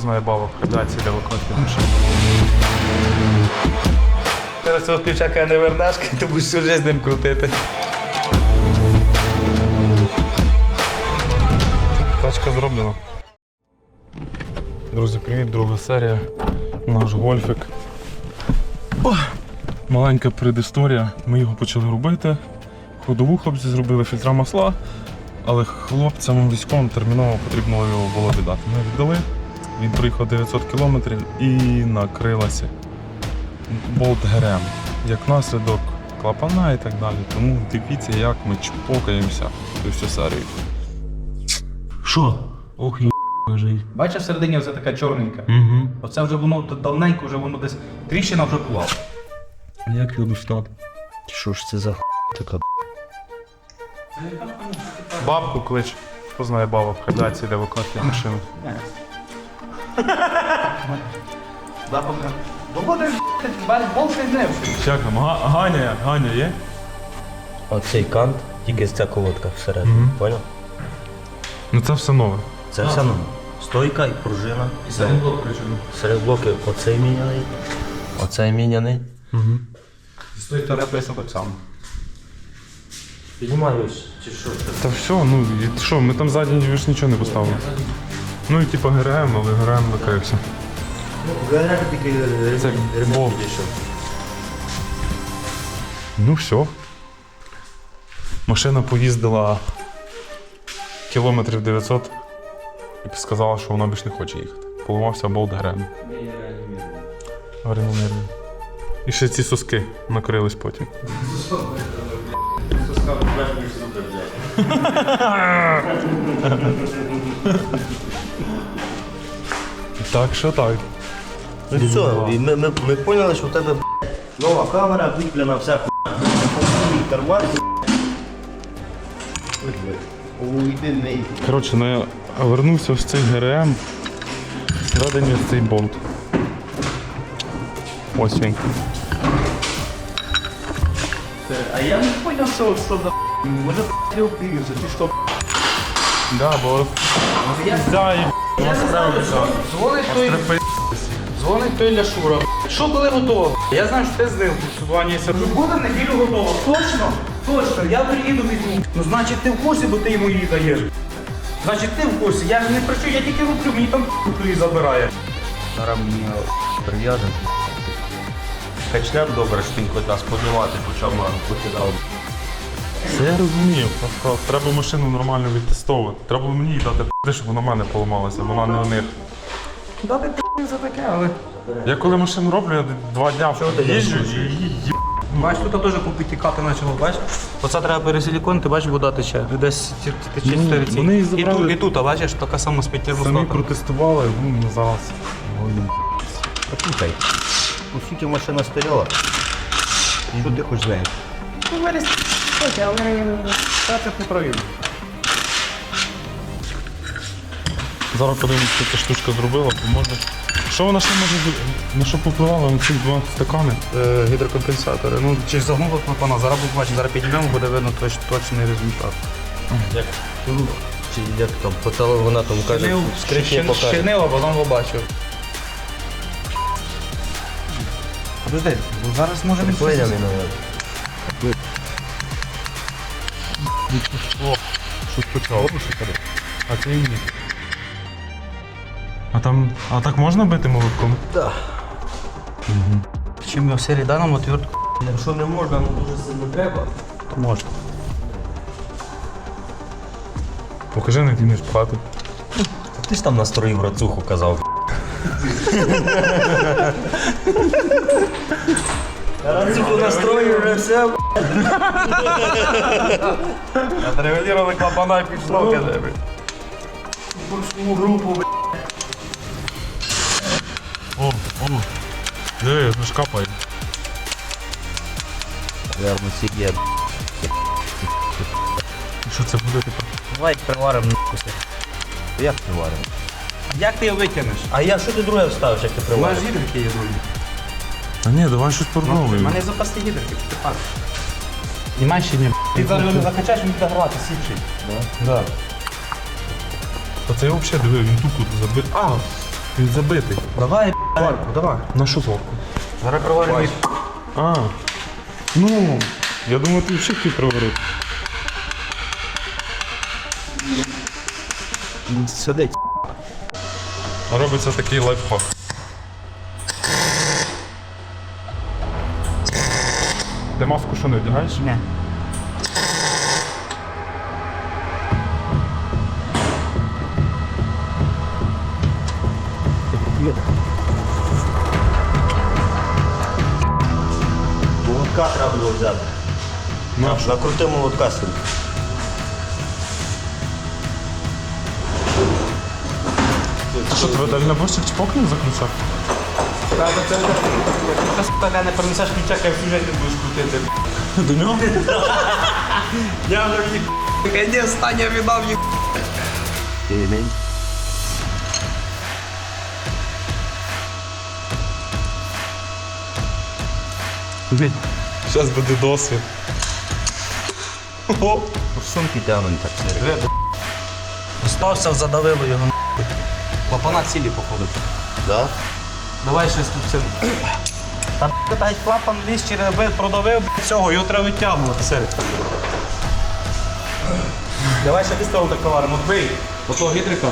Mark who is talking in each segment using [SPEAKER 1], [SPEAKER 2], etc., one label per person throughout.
[SPEAKER 1] знає бабок, кидаються для виконки машини.
[SPEAKER 2] Зараз цього ключака не вернеш, ти будеш всю життя з ним крутити.
[SPEAKER 1] Тачка зроблена. Друзі, привіт, друга серія. Наш гольфик. Маленька предісторія. Ми його почали робити. Ходову хлопці зробили, фільтра масла, але хлопцям військовим терміново потрібно його було віддати. Ми віддали, він проїхав 900 кілометрів і накрилася болт ГРМ. Як наслідок клапана і так далі. Тому дивіться, як ми чпокаємося цю всю серію.
[SPEAKER 2] Що?
[SPEAKER 1] Ох, лежить.
[SPEAKER 2] Бачиш, всередині все така чорненька.
[SPEAKER 1] Угу.
[SPEAKER 2] Оце вже воно давненько, вже воно десь тріщина вже була.
[SPEAKER 1] Як його достати?
[SPEAKER 3] Що ж це за така?
[SPEAKER 1] Бабку клич. Хто знає бабок, кидаються для виконки машини.
[SPEAKER 2] Запахне. Доводиш, болт не зневши.
[SPEAKER 1] Як там? Ганя є?
[SPEAKER 3] Оцей кант, тільки ця колодка всередині, поняв?
[SPEAKER 1] Ну це все нове.
[SPEAKER 3] Це все нове. Стойка і пружина.
[SPEAKER 2] І серед блок причому.
[SPEAKER 3] Серед блоки оцей міняний, оцей міняний.
[SPEAKER 2] З тої сторони писано так само.
[SPEAKER 3] Піднімаюсь, чи що?
[SPEAKER 1] Та все, ну і що, ми там ззаді ж нічого не поставили. Ну і типу ГРМ, але ГРМ накрився.
[SPEAKER 3] ГРМ тільки
[SPEAKER 1] Це
[SPEAKER 3] ремонт
[SPEAKER 1] болт.
[SPEAKER 3] підійшов.
[SPEAKER 1] Ну все. Машина поїздила кілометрів 900 і сказала, що вона більше не хоче їхати. Поламався болт ГРМ. Гарномірно. І ще ці соски накрились потім. Так що так.
[SPEAKER 3] Ну все, і ми поняли, що в тебе нова камера, куплена вся хуйня. Карман. Уйди не йди.
[SPEAKER 1] Коротше, ну я вернувся в цей ГРМ, всередині в цей болт. Ось він.
[SPEAKER 2] А я не поняв, що за може трьох пір'ївся, ти що?
[SPEAKER 1] Да, бо
[SPEAKER 2] Дзвонить той Ляшура. Що коли готово? Я знаю, що ти з ним в плані сиджу. Буде в неділю готово. Точно? Точно, я приїду візьму. Ну значить ти в курсі, бо ти йому її даєш. Значить ти в курсі, я ж не працюю, я тільки роблю, мені там її забирає.
[SPEAKER 3] Зараз мені прив'язаний. Качнем добре, що він хоч нас подівати, почав покидав.
[SPEAKER 1] це я розумію, просто треба машину нормально відтестовувати. Треба мені їй дати п***, щоб вона в мене поламалася, вона не у них.
[SPEAKER 2] Дати п***ю за таке, але...
[SPEAKER 1] Я коли машину роблю, я 2 дня їжджу і її їб.
[SPEAKER 2] Бачиш, тут теж попітікати почало, бачиш? Оце треба пересиліконити, бачиш, вода тече. Десь тече 4 ці.
[SPEAKER 1] вони її забрали.
[SPEAKER 2] І тут, а бачиш, така сама з
[SPEAKER 1] Самі
[SPEAKER 2] п'ятірвостата.
[SPEAKER 1] протестували, ну зараз.
[SPEAKER 3] Послухай, по суті машина стояла. Що ти хочеш з нею?
[SPEAKER 2] Ну, виріс, але це не провів.
[SPEAKER 1] Зараз подивимось, що ця штучка зробила, бо може. Що вона ще може на що попливала на ці 2 стакани?
[SPEAKER 2] Гідрокомпенсатори. Ну, чи ж загнуло клапана, зараз будемо бачити, зараз підіймемо, буде видно точний результат.
[SPEAKER 3] Як? Чи як там, по вона там каже, скрипні покаже.
[SPEAKER 2] Щинило, потім побачив. Подожди, бо зараз може не
[SPEAKER 3] Приклеєний, мабуть.
[SPEAKER 1] О, щось почало. А це і ні. А так можна бити молотком?
[SPEAKER 3] Так.
[SPEAKER 2] Чим я в серії даному отвертку,
[SPEAKER 3] Якщо не можна, ну дуже сильно треба.
[SPEAKER 2] то можна.
[SPEAKER 1] Покажи, як ти вмієш пхати.
[SPEAKER 3] Ти ж там настроїв рацуху, казав. Рацуху настроїв, вже все.
[SPEAKER 2] Отрегулювали клапана і пішло, каже.
[SPEAKER 3] Борщову групу,
[SPEAKER 1] О, диви, ж капає.
[SPEAKER 3] Верно, сіє.
[SPEAKER 1] Що це буде тепер?
[SPEAKER 3] Давай приваримо нахуй. Як приваримо?
[SPEAKER 2] Як ти його витягнеш?
[SPEAKER 3] А я, що ти друге вставиш, як ти
[SPEAKER 2] У нас
[SPEAKER 3] привариш?
[SPEAKER 2] гідрики є другі.
[SPEAKER 1] Та ні, давай щось
[SPEAKER 2] У
[SPEAKER 1] порновуємо.
[SPEAKER 2] мене запасні гідрики, ти пак. Німай ще ні. Ти зараз його не закачаєш, він буде грати, сіпший.
[SPEAKER 1] Да. Та це я взагалі диви, він тут забив. Він забитий.
[SPEAKER 2] Давай, Варку, давай.
[SPEAKER 1] На що зварку?
[SPEAKER 2] Зараз проваримо.
[SPEAKER 1] А, ну, я думаю, ти взагалі хотів приварити.
[SPEAKER 3] Сидить.
[SPEAKER 1] Робиться такий лайфхак. Ти маску що не вдягаєш?
[SPEAKER 2] Ні.
[SPEAKER 3] Молотка треба було взяти. Накрути молотка собі.
[SPEAKER 1] Ти що, тебе дальнобойщик чпокнув за ключа?
[SPEAKER 2] Та не принесеш ключа, як в сюжеті будеш крутити.
[SPEAKER 1] До нього?
[SPEAKER 2] Я вже їх. Ні, встань, я віддав їх.
[SPEAKER 1] Зараз буде досвід. О,
[SPEAKER 3] Сумки тягнуть так.
[SPEAKER 2] Остався, задавило його. Клапана цілі, походу.
[SPEAKER 3] Да?
[SPEAKER 2] Давай щось тут це. Та геть клапан ліз через бит, продавив цього, його треба витягувати, серед. Давай ще пістол так поваримо, бий. Отого гідрика.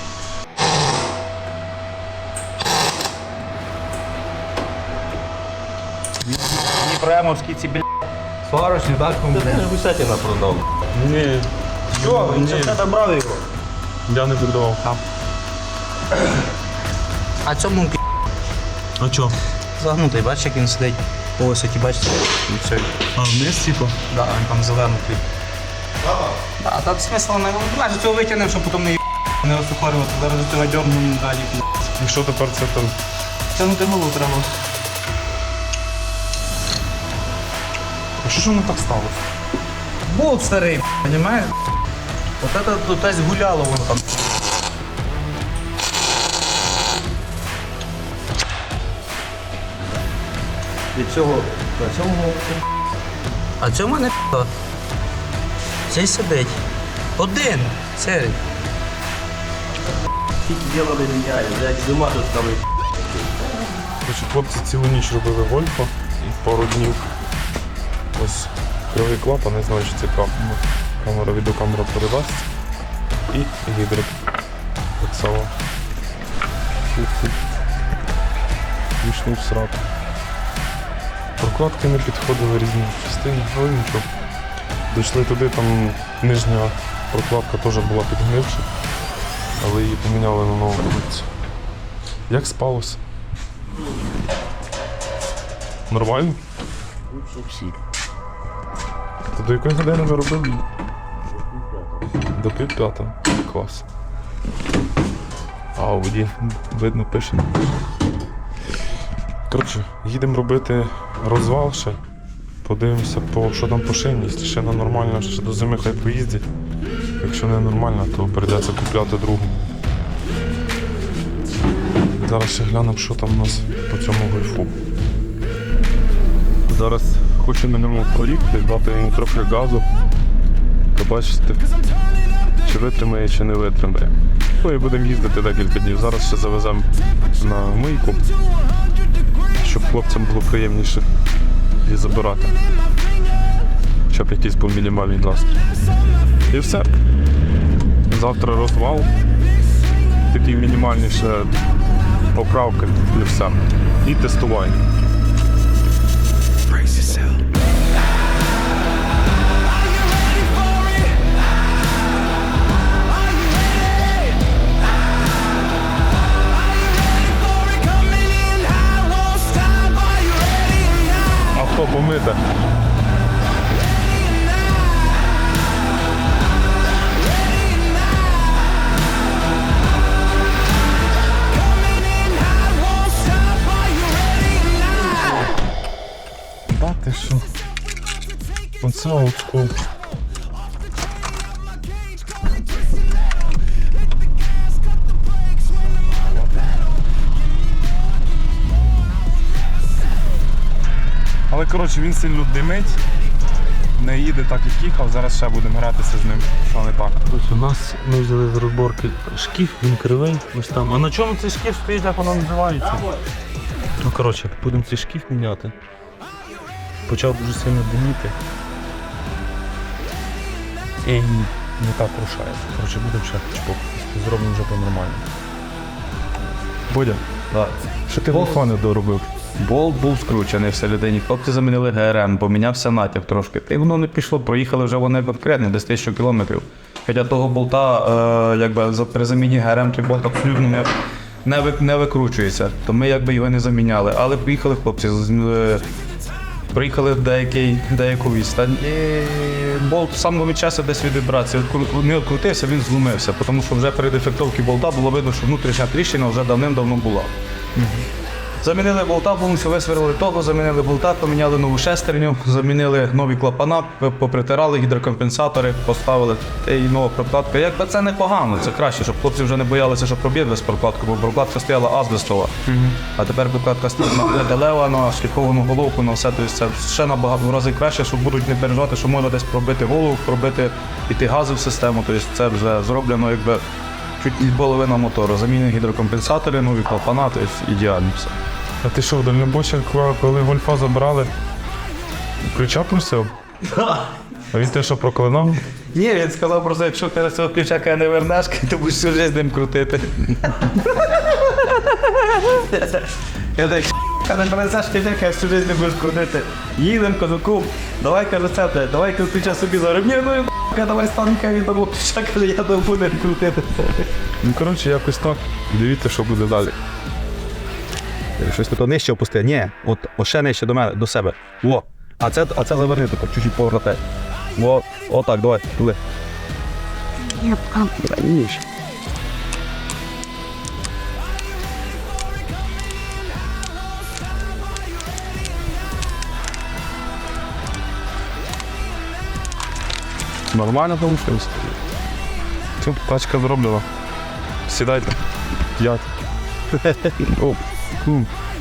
[SPEAKER 2] Дніпремовські ці, сварочні, так?
[SPEAKER 3] Ти ж Гусятіна продав.
[SPEAKER 1] ні,
[SPEAKER 3] Що? Він
[SPEAKER 1] Ні.
[SPEAKER 3] ще в тебе брав його.
[SPEAKER 1] я не віддавав.
[SPEAKER 2] А цьому
[SPEAKER 1] А чо?
[SPEAKER 2] загнутий, бачиш, як він сидить по висоті, бачите? І все.
[SPEAKER 1] А вниз, типу?
[SPEAKER 2] Да, він там зелений. Да, та смисл не майже цього витягнемо, щоб потім не розсухарювати. Зараз до цього дьорнемо далі.
[SPEAKER 1] І що тепер це там?
[SPEAKER 2] Тягнути голову треба.
[SPEAKER 1] А що ж воно так сталося?
[SPEAKER 2] Болт старий, розумієш? От це тут десь гуляло воно там.
[SPEAKER 3] Від цього, на цьому
[SPEAKER 2] А цьому не п***о. Цей сидить. Один. Серий.
[SPEAKER 3] тільки діло не міняє, блядь, зима тут там.
[SPEAKER 1] Короче, хлопці цілу ніч робили гольфа, пару днів. Ось кривий клапан, не знаю, чи це камера, відеокамера передасть. І гідрик. Так само. Фу-фу. Війшов в сраку. Прокладки не підходили різні частини, але нічого. Дійшли туди, там нижня прокладка теж була підгнивша, але її поміняли на нову колекцію. Як спалося? Нормально?
[SPEAKER 3] Всі.
[SPEAKER 1] То до якої години ви робили? До 5:30. Клас. А у воді видно пише. Коротше, їдемо робити розвал ще. Подивимося, що там по шині. Якщо шина нормальна, ще до зими хай поїздять. Якщо не нормальна, то прийдеться купляти другу. Зараз ще глянемо, що там у нас по цьому гольфу. Зараз хочу на ньому проїхати, дати йому трохи газу. Побачите, чи витримає, чи не витримає. Ну і будемо їздити декілька днів. Зараз ще завеземо на мийку, щоб хлопцям було приємніше її забирати. Щоб якийсь був мінімальний настрій. І все. Завтра розвал. Такі мінімальніше поправки і все. І тестування. Авто помите. Да ти що? Оце олдскул. Але коротше він сильно димить, не їде так, як їхав, зараз ще будемо гратися з ним, що не так.
[SPEAKER 2] Ось у нас ми взяли з розборки шкіф, він кривий, ось там. А на чому цей шкіф стоїть, як воно називається? Ну коротше, будемо цей шкіф міняти. Почав дуже сильно диміти. І не так рушає. Коротше, будемо ще чпок. Зробимо вже по-нормальному.
[SPEAKER 1] Бодя,
[SPEAKER 3] Так.
[SPEAKER 1] що ти телефони доробив?
[SPEAKER 3] Болт був скручений всередині, хлопці замінили ГРМ, помінявся натяг трошки. Та й воно не пішло, проїхали вже вони конкретно, десь 1000 кілометрів. Хоча того болта, при заміні ГРМ той болт абсолютно не викручується, то ми його не заміняли. Але приїхали хлопці, приїхали в деяку відстань, і болт сам від часу десь від вібрації. Не відкрутився, він зломився, тому що вже при дефектовці болта було видно, що внутрішня тріщина вже давним-давно була. Замінили болта, повністю висверлили того, замінили болта, поміняли нову шестерню, замінили нові клапана, попритирали гідрокомпенсатори, поставили і нова прокладка. Якби це непогано, це краще, щоб хлопці вже не боялися, що проб'є без прокладки, бо прокладка стояла азбестова. А тепер прокладка стоїть на металева, на шліфовану головку, на все. Тобто це ще набагато разів краще, щоб будуть не переживати, що можна десь пробити голову, пробити піти гази в систему. Тобто це вже зроблено якби чуть не половина мотору. Замінені гідрокомпенсатори, нові клапана, тобто ідеально все.
[SPEAKER 1] А ти що, в дальнобойщик, коли гольфа забрали, ключа просив? А він те, що проклинав?
[SPEAKER 3] Ні, він сказав просто, якщо ти цього ключака не вернеш, то будеш всю життя з ним крутити. Я так, не принесеш ключака, всю життя не будеш крутити. Їдем, кажу, кум, давай, каже, це, давай ключа собі зараз. Ні, ну, давай станка, він того ключа, каже, я то буду крутити.
[SPEAKER 1] Ну, коротше, якось так. Дивіться, що буде далі.
[SPEAKER 4] Щось тут нижче опусти. Ні, от ще нижче до мене, до себе. Во. А це заверни тако, чуть-чуть поворотай. Во, отак, давай, туди. Ніж.
[SPEAKER 1] Нормально вийшло. Все, тачка зроблена. Сідайте. 5. Оп.